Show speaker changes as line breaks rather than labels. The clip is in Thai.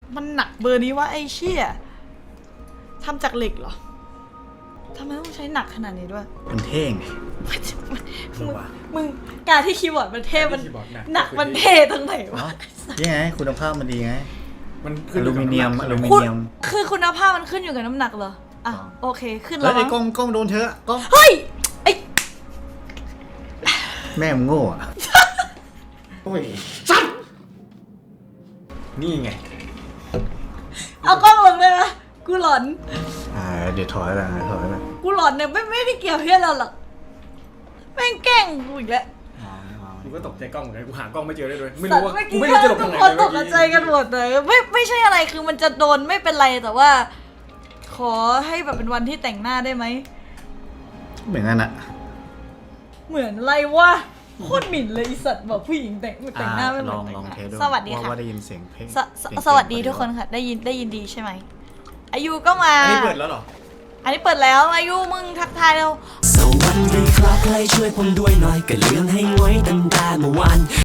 มันหนักเบอร์นี้วะไอ้เชี่ยทำจากเหล็กเหรอทำไมต้องใช้หนักขนาดนี้ด้วย
มันเท่ง
มึงการที่คีย์บอร์ดมันเท่มันหนักมันเท่ตรงไหนวะ
นี่ไงคุณภาพมันดีไง
มัน
อลูมิเนียม
คือคุณภาพมันขึ้นอยู่กับน้ำหนักเหรออ่ะโอเคขึ้น
แล้
แล้ว ว
ไอ้กล้องโดนเธอกล้อง
เฮ้ยไอ้
แม่มึงโง่อะ
โอ้ยจัดนี่ไง
เอากล้องลงเลยนะกูหลอน
เดี๋ยวถอยแล้ว
กูหลอนเนี่ยไม่ได้เกี่ยวเพี้ยเราหรอกแม่งแกล้งกูอีกแล้ว
กูก็ตกใจกล้องเหมือนกันกูหากล้องไม่เจอเลยด้วยไม่รู้ว่า
เมื่อ
กู
กี้
ไม่รู้จะหลบ
ทุ
ทาก งไหน
คน
เลย
ตกใจกันหมดเลยไม่ใช่อะไรคือมันจะโดนไม่เป็นไรแต่ว่า ขอให้แบบเป็นวันที่แต่งหน้าได้ไหม
เหมือนกันอะ
เหมือนอะไรวะโคตรหมิ่นเลยอีสัตว์บอกผู้หญิงแต่งหน้าไม่เหมือนแต่ง
ลอง
หน้า
เทสดู
สวัสดีค่ะ
ว่าได้ยินเสียงเพลง
สวัสดีทุกคนค่ะได้ยินดีใช่ไหมอายุก็มา
อันนี้เปิดแล้วเหรอ
อันนี้เปิดแล้วอายุมึงทักทายเรา
สวัสดีครับใครช่วยผมด้วยหน่อยก็เรื่องให้ไว้ตั้งแต่เมื่อวาน